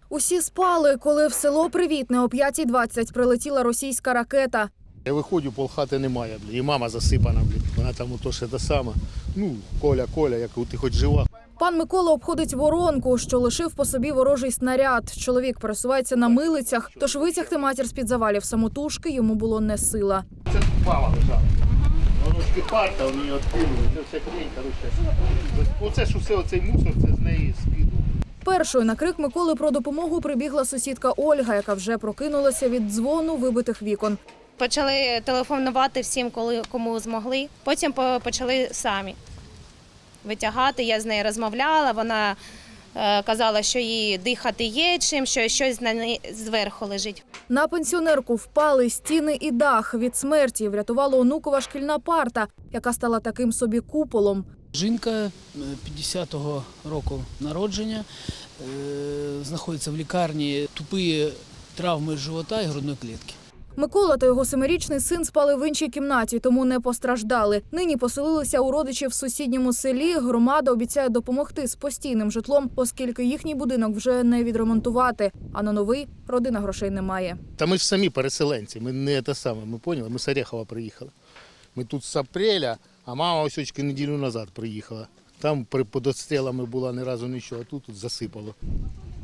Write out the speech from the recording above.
Усі спали, коли в село Привітне о 5:20 прилетіла російська ракета. Я виходжу, полхати немає, і мама засипана, вона там ото ще те саме. Ну, Коля, як ти хоч жива. Пан Микола обходить воронку, що лишив по собі ворожий снаряд. Чоловік пересувається на милицях, тож витягти матір з-під завалів самотужки йому було не сила. Це мама лежала. Воно ж кипарта, вони її відкинули, це все хрень, коротше. Оце ж усе, оцей мусор, це з неї скидував. Першою на крик Миколи про допомогу прибігла сусідка Ольга, яка вже прокинулася від дзвону вибитих вікон. Почали телефонувати всім, кому змогли. Потім почали самі витягати. Я з нею розмовляла, вона казала, що їй дихати є чим, що щось на неї зверху лежить. На пенсіонерку впали стіни і дах. Від смерті врятувала онукова шкільна парта, яка стала таким собі куполом. Жінка 50-го року народження, знаходиться в лікарні, тупі травми живота і грудної клітки. Микола та його 7-річний син спали в іншій кімнаті, тому не постраждали. Нині поселилися у родичів в сусідньому селі. Громада обіцяє допомогти з постійним житлом, оскільки їхній будинок вже не відремонтувати, а на новий родина грошей не має. Та ми ж самі переселенці, ми не те саме, ми поняли, ми з Орехова приїхали. Ми тут з апреля, а мама ось очки неділю назад приїхала. Там під обстрілами була ні разу нічого, а тут засипало.